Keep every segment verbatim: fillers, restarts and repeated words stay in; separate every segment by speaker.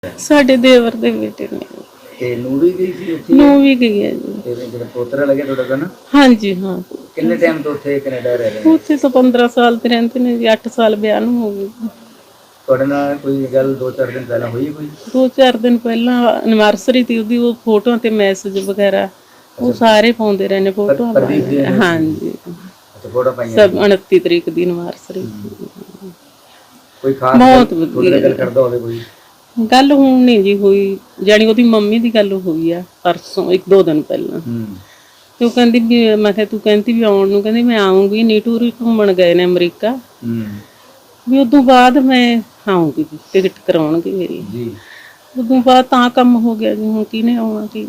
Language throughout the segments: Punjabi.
Speaker 1: ਸਾਡੇ ਦੇਵਰ ਦੇ ਬੇਟੇ ਨੇ।
Speaker 2: ਤੇ ਨੂੰ ਵੀ ਗਈ ਸੀ ਉੱਥੇ?
Speaker 1: ਨੂੰ ਵੀ ਗਈ ਹੈ ਜੀ।
Speaker 2: ਤੇ ਜਿਹੜਾ ਪੋਤਰਾ ਲੱਗਿਆ ਤੁਹਾਡਾ ਤਾਂ ਨਾ?
Speaker 1: ਹਾਂਜੀ ਹਾਂ।
Speaker 2: ਕਿੰਨੇ ਟਾਈਮ ਤੋਂ ਉੱਥੇ ਕੈਨੇਡਾ ਰਹਿ ਰਹੇ ਨੇ?
Speaker 1: ਉੱਥੇ ਤਾਂ ਪੰਦਰਾਂ ਸਾਲ ਤੇ ਰਹਿੰਦੇ ਨੇ ਜੀ। ਅੱਠ ਸਾਲ ਵਿਆਹ ਨੂੰ ਹੋ ਗਏ।
Speaker 2: ਤੁਹਾਡੇ ਨਾਲ ਕੋਈ ਗੱਲ ਦੋ ਚਾਰ ਦਿਨ ਪਹਿਲਾਂ ਹੋਈ ਕੋਈ?
Speaker 1: ਦੋ ਚਾਰ ਦਿਨ ਪਹਿਲਾਂ ਐਨਵਰਸਰੀ ਸੀ ਉਹਦੀ, ਉਹ ਫੋਟੋਆਂ ਤੇ ਮੈਸੇਜ ਵਗੈਰਾ ਉਹ ਸਾਰੇ ਪਾਉਂਦੇ ਰਹੇ ਨੇ ਫੋਟੋਆਂ। ਹਾਂਜੀ
Speaker 2: ਫੋਟੋ ਪਾਈਆਂ
Speaker 1: ਸਭ ਉਨੱਤੀ ਤਰੀਕ ਦੀ ਐਨਵਰਸਰੀ।
Speaker 2: ਕੋਈ ਖਾਸ
Speaker 1: ਬਹੁਤ
Speaker 2: ਵਧੀਆ ਗੱਲ ਕਰਦਾ ਹੋਵੇ ਕੋਈ?
Speaker 1: ਗੱਲ ਹੁਣ ਨਹੀਂ ਜੀ ਹੋਈ, ਜਾਣੀ ਉਹਦੀ ਮੰਮੀ ਦੀ ਗੱਲ ਹੋਈ ਆ ਪਰਸੋਂ ਇੱਕ ਦੋ ਦਿਨ ਪਹਿਲਾਂ। ਤੇ ਉਹ ਕਹਿੰਦੀ ਵੀ, ਮੈਂ ਕਿਹਾ ਤੂੰ ਕਹਿੰਦੀ ਵੀ ਆਉਣ ਨੂੰ, ਕਹਿੰਦੀ ਮੈਂ ਆਉਂਗੀ, ਨੀਟੂਰ ਘੁੰਮਣ ਗਏ ਨੇ ਅਮਰੀਕਾ, ਵੀ ਉਦੋਂ ਬਾਅਦ ਮੈਂ ਆਉਂਗੀ, ਟਿਕਟ ਕਰਾਉਣਗੇ ਮੇਰੀ ਜੀ। ਉਦੋਂ ਬਾਅਦ ਤਾਂ ਕੰਮ ਹੋ ਗਿਆ ਜੀ, ਹੁਣ ਕਿਹਨੇ ਆਉਣਾ ਕੀ।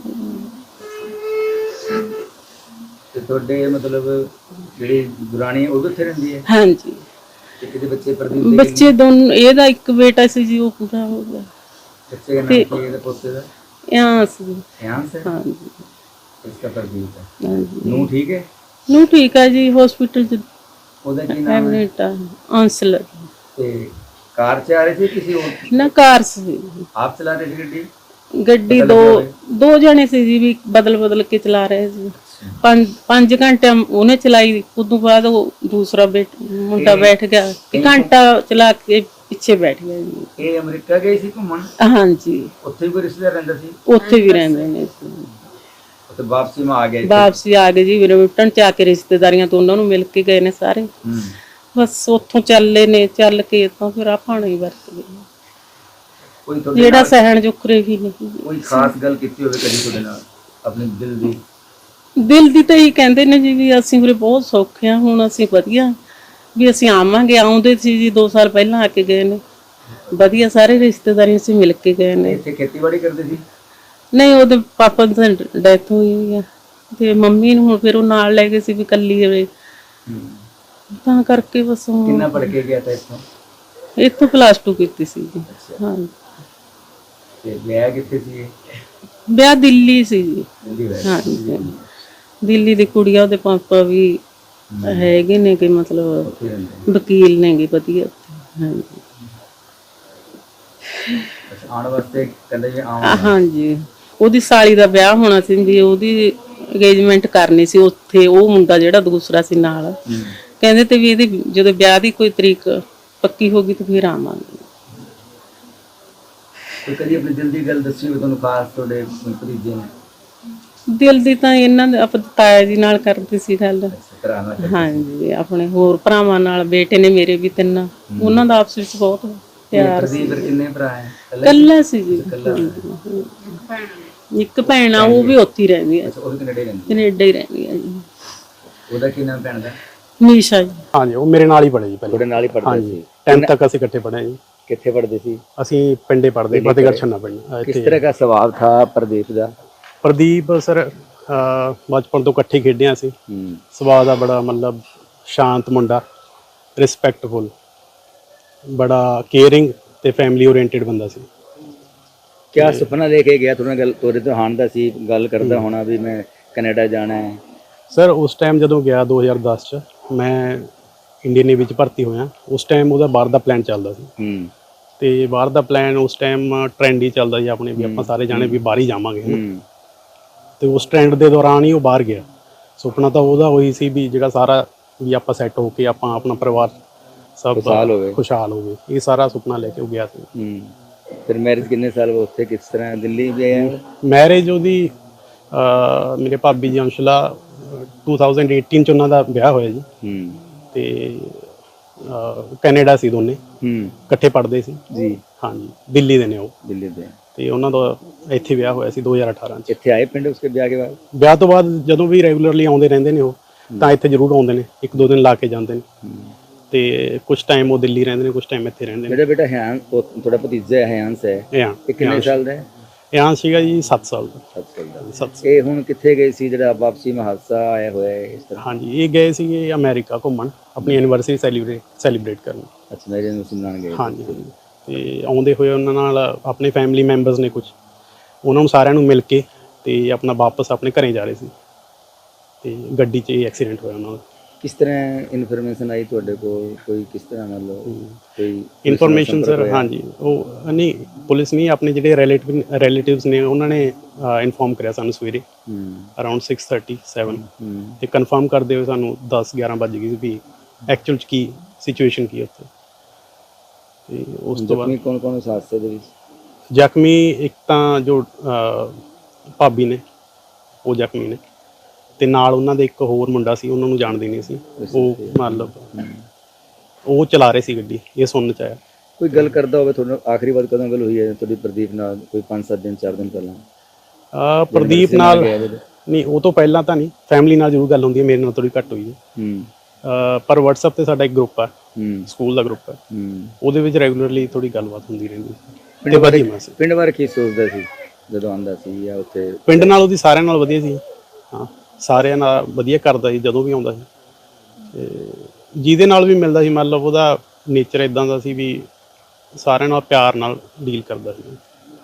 Speaker 2: ਤੇ ਤੁਹਾਡੇ ਮਤਲਬ ਜਿਹੜੀ ਦੁਰਾਣੀ ਉਹ ਉੱਥੇ ਰਹਿੰਦੀ ਹੈ?
Speaker 1: ਹਾਂਜੀ।
Speaker 2: ਤੇ ਕਿਤੇ ਬੱਚੇ ਪ੍ਰਦੀਪ ਦੇ?
Speaker 1: ਬੱਚੇ ਦੋਨੋਂ, ਇਹਦਾ ਇੱਕ ਬੇਟਾ ਸੀ ਜੀ, ਉਹ ਪੂਰਾ ਹੋ ਗਿਆ।
Speaker 2: ਬੱਚੇ ਦਾ ਨਾਮ ਕੀ ਹੈ ਇਹਦੇ ਪੋਤੇ ਦਾ?
Speaker 1: यांस।
Speaker 2: यांस है?
Speaker 1: हाँ जी।
Speaker 2: इसका प्रदीप है।
Speaker 1: हाँ जी।
Speaker 2: नू ठीक है?
Speaker 1: नू ठीक है जी, हॉस्पिटल च
Speaker 2: ਉਹਦਾ ਕੀ ਨਾਮ ਹੈ?
Speaker 1: आंसलर।
Speaker 2: ਤੇ ਕਾਰ ਚ ਆ ਰਹੇ ਸੀ ਕਿਸੇ ਹੋਰ?
Speaker 1: ना कार से
Speaker 2: ਆਪ ਚਲਾ ਰਹੇ ਸੀ ਗੱਡੀ?
Speaker 1: ਗੱਡੀ ਦੋ ਦੋ ਜਣੇ ਸੀ ਜੀ, ਵੀ ਬਦਲ ਬਦਲ ਕੇ ਚਲਾ ਰਹੇ ਸੀ। ਪੰਜ ਪੰਜ ਘੰਟੇ ਉਹਨੇ ਚਲਾਈ, ਉਦੋਂ ਬਾਅਦ ਉਹ ਦੂਸਰਾ ਮੁੰਡਾ ਬੈਠ ਗਿਆ, ਇੱਕ ਘੰਟਾ ਚਲਾ ਕੇ ਪਿੱਛੇ ਬੈਠ ਗਿਆ ਜੀ।
Speaker 2: ਇਹ ਅਮਰੀਕਾ ਗਏ ਸੀ ਘੁੰਮਣ?
Speaker 1: ਹਾਂਜੀ।
Speaker 2: ਉੱਥੇ ਵੀ ਰਿਸ਼ਤੇਦਾਰ ਰਹਿੰਦਾ ਸੀ?
Speaker 1: ਉੱਥੇ ਵੀ ਰਹਿੰਦੇ ਨੇ।
Speaker 2: ਉੱਥੇ ਵਾਪਸੀ ਮੈਂ ਆ ਗਿਆ?
Speaker 1: ਵਾਪਸੀ ਆ ਗਏ ਜੀ, ਰਿਟਰਨ ਚ ਆ ਕੇ ਰਿਸ਼ਤੇਦਾਰੀਆਂ ਤੋਂ ਉਹਨਾਂ ਨੂੰ ਮਿਲ ਕੇ ਗਏ ਨੇ ਸਾਰੇ। ਬਸ ਉੱਥੋਂ ਚੱਲੇ ਨੇ, ਚੱਲ ਕੇ ਤਾਂ ਫਿਰ ਆਪਾਂ ਨਹੀਂ ਵਰਤ ਗਏ, ਜਿਹੜਾ ਸਹਿਣ ਜੁਕਰੇ ਵੀ ਨਹੀਂ।
Speaker 2: ਕੋਈ ਖਾਸ ਗੱਲ ਕੀਤੀ ਹੋਵੇ ਕਦੀ ਤੁਹਾਡੇ ਨਾਲ ਆਪਣੇ ਦਿਲ ਦੀ?
Speaker 1: ਦਿਲ ਦੀ ਤਾਂ ਹੀ ਕਹਿੰਦੇ ਨੇ ਜੀ ਵੀ ਅਸੀਂ ਵੀਰੇ ਬਹੁਤ ਸੌਖੇ ਆ, ਹੁਣ ਅਸੀਂ ਵਧੀਆ ਵੀ ਅਸੀਂ ਆਵਾਂਗੇ। ਆਉਂਦੇ ਸੀ ਜੀ ਦੋ ਸਾਲ ਪਹਿਲਾਂ ਆ ਕੇ ਗਏ ਨੇ, ਵਧੀਆ ਸਾਰੇ ਰਿਸ਼ਤੇਦਾਰੀ ਅਸੀਂ ਮਿਲ ਕੇ ਗਏ ਨੇ।
Speaker 2: ਇੱਥੇ ਖੇਤੀਬਾੜੀ ਕਰਦੇ ਸੀ?
Speaker 1: ਨਹੀਂ, ਉਹਦੇ ਪਾਪਾ ਦੀ ਡੈਥ ਹੋਈ ਹੋਈ ਆ, ਤੇ ਮੰਮੀ ਨੂੰ ਹੁਣ ਫਿਰ ਉਹ ਨਾਲ ਲੈ ਗਏ ਸੀ ਵੀ ਕੱਲੀ ਹੋਵੇ, ਤਾਂ ਕਰਕੇ ਬਸ।
Speaker 2: ਕਿੰਨਾ ਪੜ੍ਹ ਕੇ ਗਿਆ ਤਾਂ ਇੱਥੋਂ?
Speaker 1: ਇੱਥੋਂ ਪਲੱਸ ਟੂ ਕੀਤੀ ਸੀ ਜੀ। ਹਾਂ।
Speaker 2: ਤੇ ਵਿਆਹ ਕਿੱਥੇ ਸੀ?
Speaker 1: ਵਿਆਹ ਦਿੱਲੀ ਸੀ ਜੀ। ਹਾਂਜੀ, ਦਿੱਲੀ ਦੀ ਕੁੜੀ ਆ, ਉਹਦੇ ਪਾਪਾ ਵੀ ਹੈਗੇ ਨੇ ਕਿ ਮਤਲਬ ਵਕੀਲ ਨੇਗੇ ਵਧੀਆ। ਹਾਂਜੀ।
Speaker 2: ਆਉਣ ਵਾਸਤੇ ਕਹਿੰਦੇ ਜੀ ਆਉਣਾ? ਹਾਂਜੀ।
Speaker 1: ਉਹਦੀ ਸਾਲੀ ਦਾ ਵਿਆਹ ਹੋਣਾ ਸੀ ਜੀ, ਉਹਦੀ ਅੰਗੇਜਮੈਂਟ ਕਰਨੀ ਸੀ ਉੱਥੇ। ਉਹ ਮੁੰਡਾ ਜਿਹੜਾ ਦੂਸਰਾ ਸੀ ਨਾਲ, ਕਹਿੰਦੇ ਤੇ ਵੀ ਇਹਦੀ ਜਦੋਂ ਵਿਆਹ ਦੀ ਕੋਈ ਤਰੀਕ ਪੱਕੀ ਹੋ ਗਈ ਤਾਂ ਫਿਰ ਆਵਾਂਗੇ।
Speaker 2: ਕੋਈ ਕਦੀ ਆਪਣੀ ਦਿਲ ਦੀ ਗੱਲ ਦੱਸੀ ਹੋਵੇ ਤੁਹਾਨੂੰ ਖਾਸ ਤੁਹਾਡੇ ਭਤੀਜੇ ਨੇ?
Speaker 1: ਦਿਲ ਦੀ ਤਾਂ ਇਹਨਾਂ ਦੇ ਆਪਣੇ ਤਾਇਆ ਜੀ ਨਾਲ ਕਰਦੀ ਸੀ ਗੱਲ। ਹਾਂਜੀ, ਆਪਣੇ ਹੋਰ ਭਰਾਵਾਂ ਨਾਲ, ਬੇਟੇ ਨੇ ਮੇਰੇ ਵੀ ਤਿੰਨ, ਉਹਨਾਂ ਦਾ ਆਪਸ ਵਿੱਚ ਬਹੁਤ ਪਿਆਰ ਸੀ।
Speaker 2: ਕਿੰਨੇ ਭਰਾ ਹੈ?
Speaker 1: ਇਕੱਲਾ ਸੀ ਜੀ। ਇੱਕ ਭੈਣ ਆ, ਉਹ ਵੀ ਉੱਥੇ ਹੀ ਰਹਿੰਦੀ ਹੈ, ਕੈਨੇਡਾ ਹੀ ਰਹਿੰਦੀ ਹੈ ਜੀ।
Speaker 2: ਉਹਦਾ ਕੀ ਨਾਮ ਭੈਣ ਦਾ?
Speaker 1: ਨੀਸ਼ਾ ਜੀ।
Speaker 3: ਹਾਂਜੀ, ਉਹ ਮੇਰੇ ਨਾਲ ਹੀ ਪੜ੍ਹੇ ਜੀ ਪਹਿਲਾਂ।
Speaker 2: ਤੁਹਾਡੇ ਨਾਲ ਹੀ ਪੜ੍ਹਦੇ ਸੀ?
Speaker 3: ਟੈਂਥ ਤੱਕ ਅਸੀਂ ਇਕੱਠੇ ਪੜ੍ਹੇ ਜੀ।
Speaker 2: ਕਿੱਥੇ ਪੜ੍ਹਦੇ ਸੀ?
Speaker 3: ਅਸੀਂ ਪਿੰਡੇ ਪੜ੍ਹਦੇ, ਫਤਿਹਗੜ੍ਹ ਛੰਨਾ ਪਿੰਡ।
Speaker 2: ਕਿਸ ਤਰ੍ਹਾਂ ਦਾ ਸੁਭਾਅ ਥਾ ਪ੍ਰਦੀਪ ਦਾ?
Speaker 3: ਪ੍ਰਦੀਪ ਸਰ ਬਚਪਨ ਤੋਂ ਇਕੱਠੇ ਖੇਡਿਆ ਸੀ। ਸੁਭਾਅ ਦਾ ਬੜਾ ਮਤਲਬ ਸ਼ਾਂਤ ਮੁੰਡਾ, ਰਿਸਪੈਕਟਫੁਲ, ਬੜਾ ਕੇਅਰਿੰਗ ਤੇ ਫੈਮਿਲੀ ਓਰੀਐਂਟਡ ਬੰਦਾ ਸੀ।
Speaker 2: ਕਿਆ ਸੁਪਨਾ ਲੈ ਕੇ ਗਿਆ ਤੁਹਾਡੇ ਗੱਲ ਤੁਹਾਡੇ ਤੋਂ ਹਾਣ ਦਾ ਸੀ, ਗੱਲ ਕਰਦਾ ਹੋਣਾ ਵੀ ਮੈਂ ਕੈਨੇਡਾ ਜਾਣਾ ਹੈ?
Speaker 3: ਸਰ ਉਸ ਟਾਈਮ ਜਦੋਂ ਗਿਆ ਦੋ ਹਜ਼ਾਰ ਦਸ ਚ, ਮੈਂ ਇੰਡੀਅਨ ਨੇਵੀ ਚ ਭਰਤੀ ਹੋਇਆ। ਉਸ ਟਾਈਮ ਉਹਦਾ ਬਾਹਰ ਦਾ ਪਲਾਨ ਚੱਲਦਾ ਸੀ, ਤੇ ਬਾਹਰ ਦਾ ਪਲਾਨ ਉਸ ਟਾਈਮ ਟ੍ਰੈਂਡ ਹੀ ਚੱਲਦਾ ਸੀ ਆਪਣੇ, ਵੀ ਆਪਾਂ ਸਾਰੇ ਜਾਣੇ ਵੀ ਬਾਹਰ ਹੀ ਜਾਵਾਂਗੇ। ਤੇ ਉਸ ਟ੍ਰੈਂਡ ਦੇ ਦੌਰਾਨ ਹੀ ਉਹ ਬਾਹਰ ਗਿਆ। ਸੁਪਨਾ ਤਾਂ ਉਹਦਾ ਉਹੀ ਸੀ ਵੀ ਜਿਹੜਾ ਸਾਰਾ ਵੀ ਆਪਾਂ ਸੈੱਟ ਹੋ ਕੇ ਆਪਾਂ ਆਪਣਾ ਪਰਿਵਾਰ ਸਭ ਖੁਸ਼ਹਾਲ ਹੋਵੇ, ਇਹ ਸਾਰਾ ਸੁਪਨਾ ਲੈ ਕੇ ਉਹ ਗਿਆ ਸੀ।
Speaker 2: ਫਿਰ ਮੈਰਿਜ ਕਿੰਨੇ ਸਾਲ ਉੱਥੇ ਕਿਸ ਤਰ੍ਹਾਂ ਦਿੱਲੀ ਗਏ?
Speaker 3: ਮੈਰਿਜ ਉਹਦੀ ਮੇਰੇ ਭਾਬੀ ਜੀ ਅੰਸ਼ਲਾ ਦੋ ਹਜ਼ਾਰ ਅਠਾਰਾਂ ਚ ਉਹਨਾਂ ਦਾ ਵਿਆਹ ਹੋਇਆ ਜੀ। ਤੇ ਕੈਨੇਡਾ ਸੀ ਦੋਨੇ, ਇਕੱਠੇ ਪੜ੍ਹਦੇ ਸੀ ਜੀ। ਹਾਂਜੀ, ਦਿੱਲੀ ਦੇ ਨੇ ਉਹ। ਦਿੱਲੀ ਦੇ। ਤੇ ਉਹਨਾਂ ਦਾ ਇੱਥੇ ਵਿਆਹ ਹੋਇਆ ਸੀ ਦੋ ਹਜ਼ਾਰ ਅਠਾਰਾਂ ਚ।
Speaker 2: ਇੱਥੇ ਆਏ ਪਿੰਡ ਉਸਕੇ ਵਿਆਹ ਕੇ ਬਾਅਦ?
Speaker 3: ਵਿਆਹ ਤੋਂ ਬਾਅਦ ਜਦੋਂ ਵੀ ਰੈਗੂਲਰਲੀ ਆਉਂਦੇ ਰਹਿੰਦੇ ਨੇ ਉਹ, ਤਾਂ ਇੱਥੇ ਜ਼ਰੂਰ ਆਉਂਦੇ ਨੇ, ਇੱਕ ਦੋ ਦਿਨ ਲਾ ਕੇ ਜਾਂਦੇ ਨੇ। ਤੇ ਕੁਝ ਟਾਈਮ ਉਹ ਦਿੱਲੀ ਰਹਿੰਦੇ ਨੇ, ਕੁਝ ਟਾਈਮ ਇੱਥੇ ਰਹਿੰਦੇ ਨੇ।
Speaker 2: ਮੇਰਾ ਬੇਟਾ ਹੈ, ਤੁਹਾਡਾ ਭਤੀਜਾ ਹੈ ਹयांस ਹੈ, ਇਹ ਕਿੰਨੇ ਸਾਲ ਦਾ ਹੈ?
Speaker 3: ਹयांस ਸੀਗਾ ਜੀ ਸੱਤ ਸਾਲ ਦਾ।
Speaker 2: ਸੱਤ ਸਾਲ ਦਾ। ਇਹ ਹੁਣ ਕਿੱਥੇ ਗਏ ਸੀ ਜਿਹੜਾ ਵਾਪਸੀ ਮਾ ਹਾਦਸਾ ਆਇਆ ਹੋਇਆ ਇਸ ਤਰ੍ਹਾਂ?
Speaker 3: ਹਾਂਜੀ, ਇਹ ਗਏ ਸੀਗੇ ਅਮਰੀਕਾ ਘੁੰਮਣ, ਆਪਣੀ ਐਨੀਵਰਸਰੀ ਸੈਲੀਬ੍ਰੇਟ ਸੈਲੀਬ੍ਰੇਟ ਕਰਨ।
Speaker 2: ਅੱਛਾ, ਮੇਰੇ ਨੂੰ ਸੁਣਾਣ ਗਏ?
Speaker 3: ਹਾਂਜੀ, ਤੇ ਆਉਂਦੇ ਹੋਏ ਉਹਨਾਂ ਨਾਲ ਆਪਣੇ ਫੈਮਿਲੀ ਮੈਂਬਰਸ ਨੇ ਕੁਝ, ਉਹਨਾਂ ਨੂੰ ਸਾਰਿਆਂ ਨੂੰ ਮਿਲ ਕੇ ਤੇ ਆਪਣਾ ਵਾਪਸ ਆਪਣੇ ਘਰੇ ਜਾ ਰਹੇ ਸੀ, ਤੇ ਗੱਡੀ 'ਚ ਇਹ ਐਕਸੀਡੈਂਟ ਹੋਇਆ ਉਹਨਾਂ ਦਾ।
Speaker 2: ਕਿਸ ਤਰ੍ਹਾਂ ਇਨਫੋਰਮੇਸ਼ਨ ਆਈ ਤੁਹਾਡੇ ਕੋਲ, ਕੋਈ ਕਿਸ ਤਰ੍ਹਾਂ ਮਤਲਬ ਕੋਈ
Speaker 3: ਇਨਫੋਰਮੇਸ਼ਨ ਸਰ ਹਾਂਜੀ ਉਹ ਨਹੀਂ ਪੁਲਿਸ ਨਹੀਂ ਆਪਣੇ ਜਿਹੜੇ ਰਿਲੇਟਿਵ ਰਿਲੇਟਿਵਸ ਨੇ ਉਹਨਾਂ ਨੇ ਇਨਫੋਰਮ ਕਰਿਆ ਸਾਨੂੰ ਸਵੇਰੇ ਅਰਾਊਂਡ ਸਿਕਸ ਥਰਟੀ ਸੈਵਨ ਤੇ ਕਨਫਰਮ ਕਰਦੇ ਹੋਏ ਸਾਨੂੰ ਦਸ ਗਿਆਰਾਂ ਵੱਜ ਗਈ ਸੀ ਵੀ ਐਕਚੁਅਲ 'ਚ ਕੀ ਸਿਚੁਏਸ਼ਨ ਕੀ ਉੱਥੇ। ਤੇ ਉਸ ਤੋਂ ਬਾਅਦ
Speaker 2: ਕੌਣ ਕੌਣ ਉਸ ਹਾਦਸੇ ਦੇ ਵਿੱਚ
Speaker 3: ਜ਼ਖਮੀ ਇੱਕ ਤਾਂ ਜੋ ਭਾਬੀ ਨੇ ਉਹ ਜ਼ਖਮੀ ਨੇ ਤੇ ਨਾਲ ਉਹਨਾਂ ਦੇ ਇੱਕ ਹੋਰ ਮੁੰਡਾ ਸੀ ਉਹਨਾਂ ਨੂੰ ਜਾਣਦੇ ਨਹੀਂ ਸੀ ਉਹ ਮਤਲਬ ਉਹ ਚਲਾ ਰਹੇ ਸੀ ਗੱਡੀ ਇਹ ਸੁਣਨ 'ਚ ਆਇਆ।
Speaker 2: ਕੋਈ ਗੱਲ ਕਰਦਾ ਹੋਵੇ ਤੁਹਾਨੂੰ ਆਖਰੀ ਵਾਰ ਕਦੋਂ ਗੱਲ ਹੋਈ ਹੈ ਤੁਹਾਡੀ ਪ੍ਰਦੀਪ ਨਾਲ, ਕੋਈ ਪੰਜ ਸੱਤ ਦਿਨ ਚਾਰ ਦਿਨ ਪਹਿਲਾਂ?
Speaker 3: ਆ ਪ੍ਰਦੀਪ ਨਾਲ ਨਹੀਂ ਉਹ ਤੋਂ ਪਹਿਲਾਂ ਤਾਂ ਨਹੀਂ, ਫੈਮਿਲੀ ਨਾਲ ਜ਼ਰੂਰ ਗੱਲ ਹੁੰਦੀ ਹੈ, ਮੇਰੇ ਨਾਲ ਥੋੜੀ ਘੱਟ ਹੋਈ ਹੈ ਪਰ WhatsApp ਤੇ ਸਾਡਾ ਇੱਕ ਗਰੁੱਪ ਹੈ ਸਕੂਲ ਦਾ ਗਰੁੱਪ ਹੈ ਉਹਦੇ ਵਿੱਚ ਰੈਗੂਲਰਲੀ ਥੋੜੀ ਗੱਲਬਾਤ ਹੁੰਦੀ ਰਹਿੰਦੀ
Speaker 2: ਪਿੰਡ ਬਾਰੇ ਪਿੰਡ ਬਾਰੇ ਕੀ ਸੋਚਦਾ ਸੀ ਜਦੋਂ ਆਉਂਦਾ ਸੀ ਜਾਂ ਉੱਥੇ?
Speaker 3: ਪਿੰਡ ਨਾਲ ਉਹਦੀ ਸਾਰਿਆਂ ਨਾਲ ਵਧੀਆ ਸੀ, ਹਾਂ ਸਾਰਿਆਂ ਨਾਲ ਵਧੀਆ ਕਰਦਾ ਸੀ ਜਦੋਂ ਵੀ ਆਉਂਦਾ ਸੀ ਤੇ ਜਿਹਦੇ ਨਾਲ ਵੀ ਮਿਲਦਾ ਸੀ ਮਤਲਬ ਉਹਦਾ ਨੇਚਰ ਇਦਾਂ ਦਾ ਸੀ ਵੀ ਸਾਰਿਆਂ ਨਾਲ ਪਿਆਰ ਨਾਲ ਡੀਲ ਕਰਦਾ ਸੀ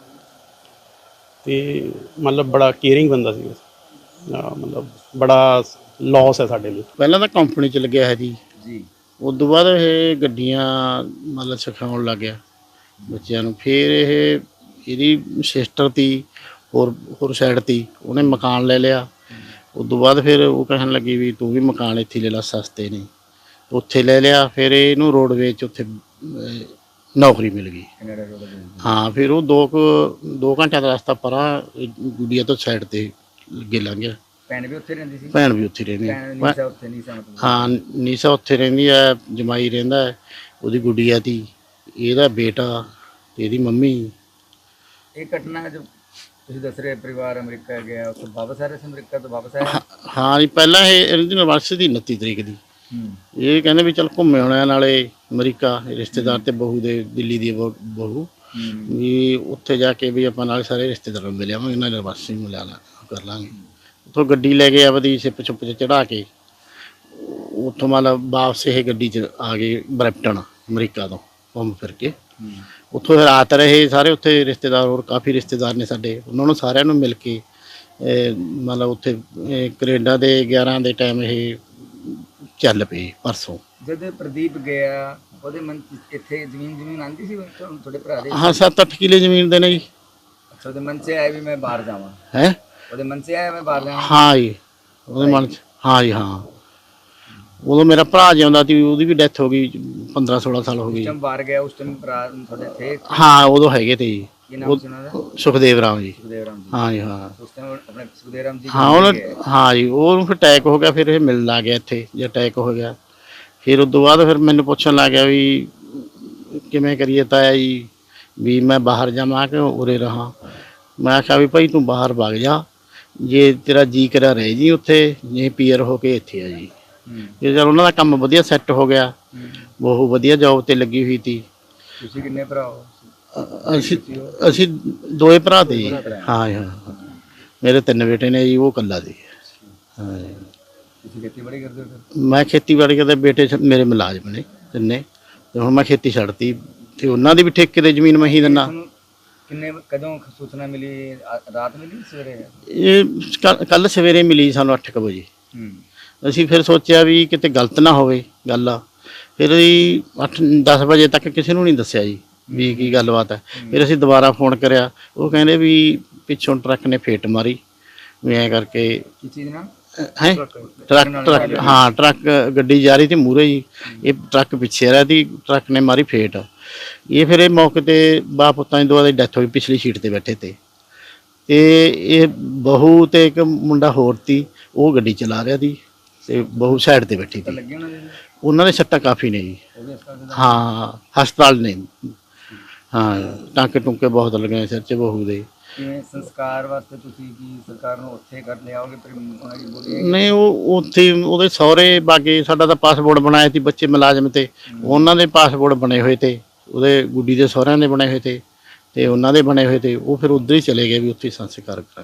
Speaker 3: ਤੇ ਮਤਲਬ ਬੜਾ ਕੇਅਰਿੰਗ ਬੰਦਾ ਸੀ ਮਤਲਬ ਬੜਾ ਲਾਸ ਹੈ ਸਾਡੇ ਲਈ।
Speaker 4: ਪਹਿਲਾਂ ਤਾਂ ਕੰਪਨੀ 'ਚ ਲੱਗਿਆ ਹੈ ਜੀ
Speaker 2: ਜੀ
Speaker 4: ਉਸ ਤੋਂ ਬਾਅਦ ਇਹ ਗੱਡੀਆਂ ਮਤਲਬ ਸਿਖਾਉਣ ਲੱਗ ਗਿਆ ਬੱਚਿਆਂ ਨੂੰ। ਫਿਰ ਇਹ ਇਹਦੀ ਸਿਸਟਰ ਤੀ ਹੋਰ ਹੋਰ ਸਾਈਡ ਤੀ ਉਹਨੇ ਮਕਾਨ ਲੈ ਲਿਆ। ਉਸ ਤੋਂ ਬਾਅਦ ਫਿਰ ਉਹ ਕਹਿਣ ਲੱਗੀ ਵੀ ਤੂੰ ਵੀ ਮਕਾਨ ਇੱਥੇ ਲੈ ਲਾ ਸਸਤੇ ਨੇ, ਉੱਥੇ ਲੈ ਲਿਆ। ਫਿਰ ਇਹਨੂੰ ਰੋਡਵੇਜ਼ 'ਚ ਉੱਥੇ ਨੌਕਰੀ ਮਿਲ ਗਈ। ਹਾਂ ਫਿਰ ਉਹ ਦੋ ਕੁ ਦੋ ਘੰਟਿਆਂ ਦਾ ਰਸਤਾ ਪਰਾਂ ਗੁੱਡੀਆ ਤੋਂ ਸਾਈਡ 'ਤੇ ਅੱਗੇ ਲੰਘ ਗਿਆ।
Speaker 2: ਭੈਣ ਵੀ ਉੱਥੇ ਰਹਿੰਦੀ ਸੀ?
Speaker 4: ਭੈਣ ਵੀ ਉੱਥੇ ਰਹਿੰਦੀ
Speaker 2: ਨੀਸਾ ਉੱਥੇ ਨੀਸਾ ਮਤਲਬ
Speaker 4: ਹਾਂ ਨੀਸਾ ਉੱਥੇ ਰਹਿੰਦੀ ਹੈ, ਜਮਾਈ ਰਹਿੰਦਾ ਹੈ, ਉਹਦੀ ਗੁੱਡੀਆ ਤੀ, ਇਹਦਾ ਬੇਟਾ ਤੇ ਇਹਦੀ ਮੰਮੀ।
Speaker 2: ਇਹ ਘਟਨਾ ਜੋ ਤੁਸੀਂ ਦੱਸ ਰਹੇ ਪਰਿਵਾਰ ਅਮਰੀਕਾ ਗਿਆ ਉੱਥੇ ਵਾਪਸ ਆ ਰਹੇ ਸੀ, ਅਮਰੀਕਾ ਤੋਂ ਵਾਪਸ ਆਇਆ?
Speaker 4: ਹਾਂ ਜੀ ਪਹਿਲਾਂ ਇਹ ਇਹਦੀ ਯੂਨੀਵਰਸਿਟੀ ਦੀ ਉਨੱਤੀ ਤਰੀਕ ਦੀ ਇਹ ਕਹਿੰਦੇ ਵੀ ਚੱਲ ਘੁੰਮੇ ਆਉਣਾ ਨਾਲੇ ਅਮਰੀਕਾ ਰਿਸ਼ਤੇਦਾਰ ਤੇ ਬਹੂ ਦੇ ਦਿੱਲੀ ਦੀ ਬਹੂ ਵੀ ਉੱਥੇ ਜਾ ਕੇ ਵੀ ਆਪਾਂ ਨਾਲ ਸਾਰੇ ਰਿਸ਼ਤੇਦਾਰਾਂ ਨੂੰ ਮਿਲ ਆਵਾਂਗੇ ਨਾਲ ਯੂਨੀਵਰਸਿਟੀ ਮਿਲਾ ਲਾ ਕਰ ਲਾਂਗੇ। ਉੱਥੋਂ ਗੱਡੀ ਲੈ ਕੇ ਆਪਦੀ ਸਿੱਪ ਛੁੱਪ 'ਚ ਚੜ੍ਹਾ ਕੇ ਉੱਥੋਂ ਮਤਲਬ ਵਾਪਸ ਇਹ ਗੱਡੀ 'ਚ ਆ ਗਏ ਬਰੈਂਪਟਨ ਅਮਰੀਕਾ ਤੋਂ ਘੁੰਮ ਫਿਰ ਕੇ। ਉੱਥੋਂ ਰਾਤ ਰਹੇ ਸਾਰੇ ਉੱਥੇ ਰਿਸ਼ਤੇਦਾਰ ਹੋਰ ਕਾਫੀ ਰਿਸ਼ਤੇਦਾਰ ਨੇ ਸਾਡੇ, ਉਹਨਾਂ ਨੂੰ ਸਾਰਿਆਂ ਨੂੰ ਮਿਲ ਕੇ ਮਤਲਬ ਉੱਥੇ ਕੈਨੇਡਾ ਦੇ ਗਿਆਰਾਂ ਦੇ ਟਾਈਮ ਇਹ ਚੱਲ ਪਏ ਪਰਸੋਂ।
Speaker 2: ਜਦੋਂ ਪ੍ਰਦੀਪ ਗਿਆ ਉਹਦੇ ਮਨ ਇੱਥੇ ਜ਼ਮੀਨ ਜ਼ਮੀਨ ਆਂਦੀ ਸੀ ਤੁਹਾਡੇ ਭਰਾ ਦੇ?
Speaker 4: ਹਾਂ ਸੱਤ ਅੱਠ ਕਿੱਲੇ ਜ਼ਮੀਨ ਦੇ ਨੇ ਜੀ।
Speaker 2: ਅੱਛਾ ਉਹਦੇ ਮਨ 'ਚ ਆਇਆ ਵੀ ਮੈਂ ਬਾਹਰ ਜਾਵਾਂ?
Speaker 4: ਹੈ
Speaker 2: ਉਹਦੇ ਮਨ 'ਚ ਆਇਆ ਮੈਂ ਬਾਹਰ ਜਾਵਾਂ?
Speaker 4: ਹਾਂ ਜੀ ਉਹਦੇ ਮਨ 'ਚ ਹਾਂ ਜੀ ਹਾਂ। ਉਦੋਂ ਮੇਰਾ ਭਰਾ ਜਿਉਂਦਾ ਸੀ, ਉਹਦੀ ਵੀ ਡੈਥ ਹੋ ਗਈ ਪੰਦਰਾਂ ਸੋਲਾਂ ਸਾਲ ਹੋ ਗਈ।
Speaker 2: ਬਾਹਰ ਗਿਆ ਉਸ ਟਾਈਮ ਭਰਾ ਤੁਹਾਡੇ ਥੇ?
Speaker 4: ਹਾਂ ਉਦੋਂ ਹੈਗੇ ਤੇ ਜੀ।
Speaker 2: ਕੀ ਨਾਮ ਸੀ ਉਹਨਾਂ ਦਾ?
Speaker 4: ਸੁਖਦੇਵ ਰਾਮ ਜੀ।
Speaker 2: ਸੁਖਦੇਵ ਰਾਮ ਜੀ।
Speaker 4: ਹਾਂ ਜੀ ਹਾਂ
Speaker 2: ਉਸ ਟਾਈਮ ਆਪਣੇ ਸੁਖਦੇਵ ਰਾਮ ਜੀ
Speaker 4: ਹਾਂ ਉਹਨਾਂ ਹਾਂ ਜੀ ਉਹਨੂੰ ਫਿਰ ਅਟੈਕ ਹੋ ਗਿਆ। ਫਿਰ ਇਹ ਮਿਲਣ ਲੱਗ ਗਿਆ ਇੱਥੇ ਜੇ ਅਟੈਕ ਹੋ ਗਿਆ। ਫਿਰ ਉਸ ਤੋਂ ਬਾਅਦ ਫਿਰ ਮੈਨੂੰ ਪੁੱਛਣ ਲੱਗ ਗਿਆ ਵੀ ਕਿਵੇਂ ਕਰੀਏ ਤਾਇਆ ਜੀ ਵੀ ਮੈਂ ਬਾਹਰ ਜਾਵਾਂ ਕਿ ਉਰੇ ਰਹਾਂ। ਮੈਂ ਆਖਿਆ ਵੀ ਭਾਈ ਤੂੰ ਬਾਹਰ ਵਗ ਜਾ, ਜੇ ਤੇਰਾ ਜੀ ਕਰਿਆ ਰਹਿ ਜੀ ਉੱਥੇ, ਜੇ ਪੀਅਰ ਹੋ ਕੇ ਇੱਥੇ ਆ ਜੀ। ਜੇ ਚਲ ਉਹਨਾਂ ਦਾ ਕੰਮ ਵਧੀਆ ਸੈੱਟ ਹੋ ਗਿਆ, ਬਹੁਤ ਵਧੀਆ ਜੋਬ ਤੇ ਲੱਗੀ ਹੋਈ ਸੀ।
Speaker 2: ਤੁਸੀਂ ਕਿੰਨੇ ਭਰਾ ਹੋ?
Speaker 4: ਅਸੀਂ ਅਸੀਂ ਦੋਏ ਭਰਾ ਤੇ ਜੀ। ਹਾਂ ਹਾਂ ਮੇਰੇ ਤਿੰਨ ਬੇਟੇ ਨੇ ਜੀ, ਉਹ ਇਕੱਲਾ ਸੀ। ਹਾਂ ਜੀ
Speaker 2: ਤੁਸੀਂ ਖੇਤੀਬਾੜੀ ਕਰਦੇ ਹੋ?
Speaker 4: ਮੈਂ ਖੇਤੀਬਾੜੀ ਕਰਦੇ, ਬੇਟੇ ਮੇਰੇ ਮੁਲਾਜ਼ਮ ਨੇ ਤਿੰਨੇ, ਤੇ ਹੁਣ ਮੈਂ ਖੇਤੀ ਛੱਡਤੀ ਤੇ ਉਹਨਾਂ ਦੀ ਵੀ ਠੇਕੇ ਤੇ ਜ਼ਮੀਨ ਮੈਂ ਹੀ ਦਿੰਦਾ।
Speaker 2: ਕਿੰਨੇ ਕਦੋਂ ਸੂਚਨਾ ਮਿਲੀ? ਰਾਤ ਮਿਲੀ ਸਵੇਰੇ?
Speaker 4: ਇਹ ਕੱਲ ਸਵੇਰੇ ਮਿਲੀ ਸਾਨੂੰ ਅੱਠ ਕੁ ਵਜੇ। ਅਸੀਂ ਫਿਰ ਸੋਚਿਆ ਵੀ ਕਿਤੇ ਗਲਤ ਨਾ ਹੋਵੇ ਗੱਲ ਆ। ਫਿਰ ਅਸੀਂ ਅੱਠ ਦਸ ਵਜੇ ਤੱਕ ਕਿਸੇ ਨੂੰ ਨਹੀਂ ਦੱਸਿਆ ਜੀ ਵੀ ਕੀ ਗੱਲਬਾਤ ਹੈ। ਫਿਰ ਅਸੀਂ ਦੁਬਾਰਾ ਫੋਨ ਕਰਿਆ, ਉਹ ਕਹਿੰਦੇ ਵੀ ਪਿੱਛੋਂ ਟਰੱਕ ਨੇ ਫੇਟ ਮਾਰੀ ਵੀ ਐਂ ਕਰਕੇ।
Speaker 2: ਕੀ ਚੀਜ਼ ਨਾਲ?
Speaker 4: ਹੈ ਟਰੱਕ ਟਰੱਕ ਹਾਂ ਟਰੱਕ ਗੱਡੀ ਜਾ ਰਹੀ ਸੀ ਮੂਹਰੇ ਜੀ, ਇਹ ਟਰੱਕ ਪਿੱਛੇ ਰਿਹਾ ਸੀ, ਟਰੱਕ ਨੇ ਮਾਰੀ ਫੇਟ। ਇਹ ਫਿਰ ਇਹ ਮੌਕੇ 'ਤੇ ਬਾਪ ਪੁੱਤਾਂ ਦੀ ਦੋਵਾਂ ਦੀ ਡੈਥ ਹੋਈ, ਪਿਛਲੀ ਸੀਟ 'ਤੇ ਬੈਠੇ ਤੇ ਤੇ ਇਹ ਬਹੂ ਤੇ ਇੱਕ ਮੁੰਡਾ ਹੋਰ ਸੀ, ਉਹ ਗੱਡੀ ਚਲਾ ਰਿਹਾ ਸੀ ਤੇ ਬਹੂ ਸਾਈਡ 'ਤੇ ਬੈਠੀ ਸੀ। ਉਹਨਾਂ ਦੇ ਸੱਟਾਂ ਕਾਫੀ ਨੇ ਜੀ। ਹਾਂ ਹਸਪਤਾਲ ਨੇ। ਹਾਂ ਟਾਂਕੇ ਟੁੰਕੇ ਬਹੁਤ ਲੱਗੇ ਸਿਰ 'ਚ ਬਹੂ ਦੇ।
Speaker 2: ਕਿਵੇਂ ਸੰਸਕਾਰ ਵਾਸਤੇ ਤੁਸੀਂ ਕੀ ਸਰਕਾਰ ਨੂੰ ਉੱਥੇ ਕਰ ਲਿਆਓਗੇ?
Speaker 4: ਨਹੀਂ ਉਹ ਉੱਥੇ ਉਹਦੇ ਸਹੁਰੇ ਬਾਗੇ, ਸਾਡਾ ਤਾਂ ਪਾਸਪੋਰਟ ਬਣਾਇਆ ਸੀ ਬੱਚੇ ਮੁਲਾਜ਼ਮ ਤੇ, ਉਹਨਾਂ ਦੇ ਪਾਸਪੋਰਟ ਬਣੇ ਹੋਏ ਤੇ, ਉਹਦੇ ਗੁੱਡੀ ਦੇ ਸਹੁਰਿਆਂ ਦੇ ਬਣੇ ਹੋਏ ਤੇ ਤੇ ਉਹਨਾਂ ਦੇ ਬਣੇ ਹੋਏ ਤੇ, ਉਹ ਫਿਰ ਉੱਧਰ ਹੀ ਚਲੇ ਗਏ ਵੀ ਉੱਥੇ ਸੰਸਕਾਰ ਕਰਾ।